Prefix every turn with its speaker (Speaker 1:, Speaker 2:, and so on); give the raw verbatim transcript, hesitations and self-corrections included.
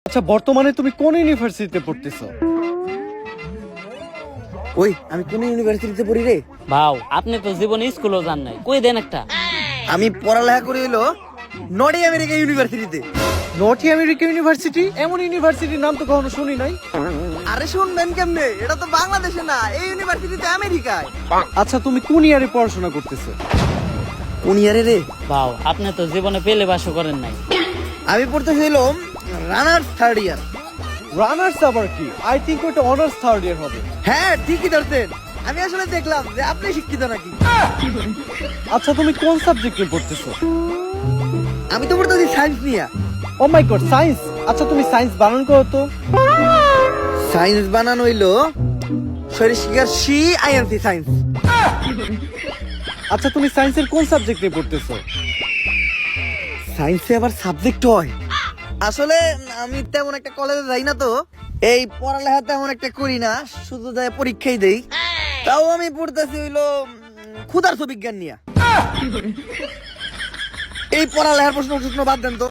Speaker 1: আচ্ছা বর্তমানে তুমি কোন ইউনিভার্সিটিতে পড়তেছো?
Speaker 2: ওই আমি কোন ইউনিভার্সিটিতে পড়ি রে?
Speaker 3: ভাও আপনি তো জীবনে স্কুলও যান নাই, কই দেন একটা।
Speaker 2: আমি পড়ালেখা করি হইলো নর্থ আমেরিকা ইউনিভার্সিটিতে।
Speaker 1: North America university? এমন ইউনিভার্সিটির নাম তো কখনো শুনি নাই।
Speaker 2: আরে শুনবেন কেমনে, এটা তো বাংলাদেশে না, এই ইউনিভার্সিটিতে আমেরিকায়।
Speaker 1: আচ্ছা তুমি কোন ইয়ারে পড়াশোনা করতেছো?
Speaker 2: কোন ইয়ারে রে?
Speaker 3: ভাও আপনি তো জীবনে পেলে বাসও করেন নাই।
Speaker 2: আমি পড়তে হইলো রানার্স থার্ড ইয়ার।
Speaker 1: রানার্স আবার কি? আই থিংক ওটা অনার্স থার্ড ইয়ার হবে।
Speaker 2: হ্যাঁ ঠিকই ধরছেন, আমি আসলে দেখলাম যে আপনি শিক্ষিত নাকি।
Speaker 1: আচ্ছা তুমি কোন সাবজেক্টে পড়তেছো?
Speaker 2: আমি তো পড়তেছি সায়েন্স নিয়ে।
Speaker 1: Oh my god, science! আচ্ছা তুমি সায়েন্স বানান করো তো।
Speaker 2: সায়েন্স বানানো হইলো শরীর শিকার সি আইএনসি সায়েন্স।
Speaker 1: আচ্ছা তুমি সায়েন্সের কোন সাবজেক্টে পড়তেছো?
Speaker 2: সায়েন্সে আবার সাবজেক্ট হয়? আসলে আমি তেমন একটা কলেজে যাই না, তো এই পড়ালেখা তেমন একটা করি না, শুধু যাই পরীক্ষাই দেই। তাও আমি পড়তেছি হইলো ক্ষুধার্ত বিজ্ঞান নিয়ে। এই পড়ালেখার প্রশ্ন প্রশ্ন বাদ দেন তো।